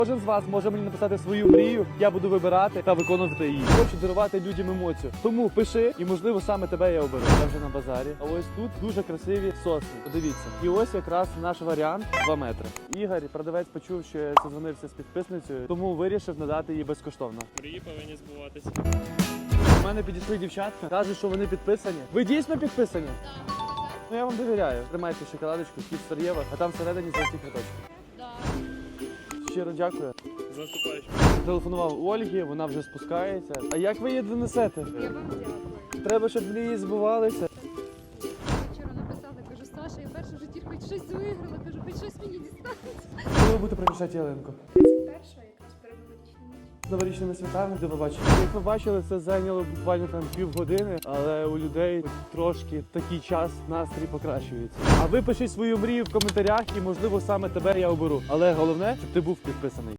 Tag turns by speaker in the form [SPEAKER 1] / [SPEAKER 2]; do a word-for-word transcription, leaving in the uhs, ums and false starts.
[SPEAKER 1] Кожен з вас може мені написати свою мрію, я буду вибирати та виконувати її. Хочу дарувати людям емоцію. Тому пиши, і можливо саме тебе я оберу. Я вже на базарі. А ось тут дуже красиві сосни. Подивіться. І ось якраз наш варіант два метри. Ігор, продавець, почув, що я созвонився з підписницею, тому вирішив надати її безкоштовно.
[SPEAKER 2] Мрії повинні збуватися.
[SPEAKER 1] У мене підійшли дівчатка, кажуть, що вони підписані. Ви дійсно підписані?
[SPEAKER 3] Так.
[SPEAKER 1] Ну я вам довіряю. Тримайте шоколадочку, кіт Сар'єва, а там всередині золоті квиточки.
[SPEAKER 3] Да.
[SPEAKER 1] Щиро дякую.
[SPEAKER 2] З наступаючим.
[SPEAKER 1] Телефонував Ольгі, вона вже спускається. А як ви її донесете?
[SPEAKER 3] Я вам дякую.
[SPEAKER 1] Треба, щоб мрії збувалися.
[SPEAKER 3] Вчора написала, кажу, Саша, я перше в житті хоч щось виграла, кажу, хоч щось мені дістанеться.
[SPEAKER 1] Коли ви будете приміщати ялинку?
[SPEAKER 3] Перша якраз перед новорічним.
[SPEAKER 1] З новорічними святами, де ви бачите. Як ви бачили, це зайняло буквально там півгодини, але у людей трошки такий час настрій покращується. А ви пишіть свою мрію в коментарях і, можливо, саме тебе я оберу. Але головне, щоб ти був підписаний.